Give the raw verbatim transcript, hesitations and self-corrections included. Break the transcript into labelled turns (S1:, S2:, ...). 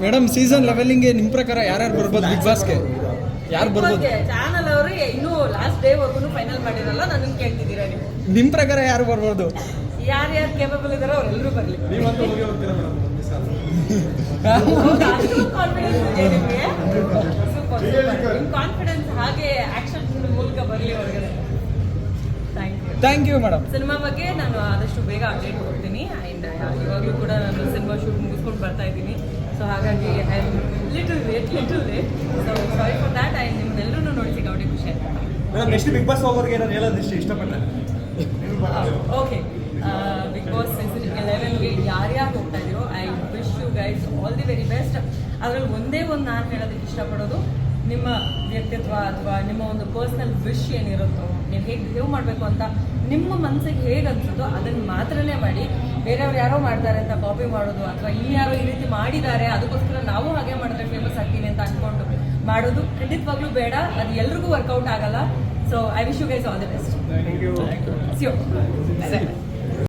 S1: Madam season ಲೆವೆಲಿಂಗ್ಗೆ ನಿಮ್ಮ ಪ್ರಕಾರ ಯಾರ್ಯಾರು ಬರ್ಬೋದು ಬಿಗ್ ಬಾಸ್ಗೆ? ಯಾರು ಬರ್ಬೋದು?
S2: ಚಾನಲ್ ಅವರು ಇನ್ನೂ ಲಾಸ್ಟ್ ಡೇ ವರ್ಗು ಫೈನಲ್ ಮಾಡಿರಲ್ಲ, ನನಗೆ ಕೇಳ್ತಿದ್ದೀರಾ ನೀವು?
S1: ನಿಮ್ಮ ಪ್ರಕಾರ ಯಾರು ಬರ್ಬೋದು?
S2: ಯಾರ್ಯಾರು ಕೇಪಬಲ್ ಇದಾರೋ ಅವರೆಲ್ಲರೂ ಬರಲಿ. ಕಾನ್ಫಿಡೆನ್ಸ್ ಇದೆ ನಿಮಗೆ? Super super. ನಿಮ್ಮ ಕಾನ್ಫಿಡೆನ್ಸ್ ಹಾಗೆ ಆಕ್ಷನ್ ಮೂಲಕ ಬರಲಿ ಹೊರಗಡೆ. Thank you
S1: thank you madam.
S2: Cinema ಬಗ್ಗೆ ನಾನು ಆದಷ್ಟು ಬೇಗ ಅಪ್ಡೇಟ್ ಕೊಡ್ತೀನಿ. ಆ್ಯಂಡ್ ಇವಾಗಲೂ ಕೂಡ ನಾನು ಸಿನಿಮಾ ಶೂಟ್ ಮುಗಿಸ್ಕೊಂಡು ಬರ್ತಾ ಇದ್ದೀನಿ. ಸೊ ಹಾಗಾಗಿ I am little late little late so sorry for that. And ನಿಮ್ಮನ್ನೆಲ್ಲರೂ ನೋಡಿ ಸಿಕ್ಕಾಪಟ್ಟೆ ಖುಷಿ ಆಯ್ತು.
S3: ಮೇಡಮ್ ನೆಕ್ಸ್ಟ್ ಬಿಗ್ ಬಾಸ್ ಹೋಗೋರಿಗೆ ಏನಾದ್ರು ಹೇಳೋದು ಇಷ್ಟ ಇಷ್ಟಪಡ್ತಾರೆ?
S2: ಓಕೆ, ಬಿಗ್ ಬಾಸ್ ಸೀಸನ್ ಎಲೆವೆನ್ಗೆ ಯಾರ್ಯಾರು ಹೋಗ್ತಾ ಇದೀರೋ I wish you guys all the very best. ಅದರಲ್ಲಿ ಒಂದೇ ಒಂದು ನಾನು ಹೇಳೋದಕ್ಕೆ ಇಷ್ಟಪಡೋದು, ನಿಮ್ಮ ವ್ಯಕ್ತಿತ್ವ ಅಥವಾ ನಿಮ್ಮ ಒಂದು ಪರ್ಸ್ನಲ್ ವಿಶ್ ಏನಿರುತ್ತೋ, ನೀವು ಹೇಗೆ ಬಿಹೇವ್ ಮಾಡಬೇಕು ಅಂತ ನಿಮ್ಮ ಮನಸ್ಸಿಗೆ ಹೇಗೆ ಅನ್ಸುತ್ತೋ ಅದನ್ನು ಮಾತ್ರನೇ ಮಾಡಿ. ಬೇರೆಯವ್ರು ಯಾರೋ ಮಾಡ್ತಾರೆ ಅಂತ ಕಾಪಿ ಮಾಡೋದು ಅಥವಾ ಇನ್ಯಾರೋ ಈ ರೀತಿ ಮಾಡಿದ್ದಾರೆ ಅದಕ್ಕೋಸ್ಕರ ನಾವು ಹಾಗೆ ಮಾಡಿದ್ರೆ ಫೇಮಸ್ ಆಗ್ತೀವಿ ಅಂತ ಅಂದ್ಕೊಂಡು ಮಾಡೋದು ಖಂಡಿತವಾಗ್ಲೂ ಬೇಡ. ಅದು ಎಲ್ರಿಗೂ ವರ್ಕೌಟ್ ಆಗಲ್ಲ. So I wish you guys all the best.
S3: Thank you.
S2: See you.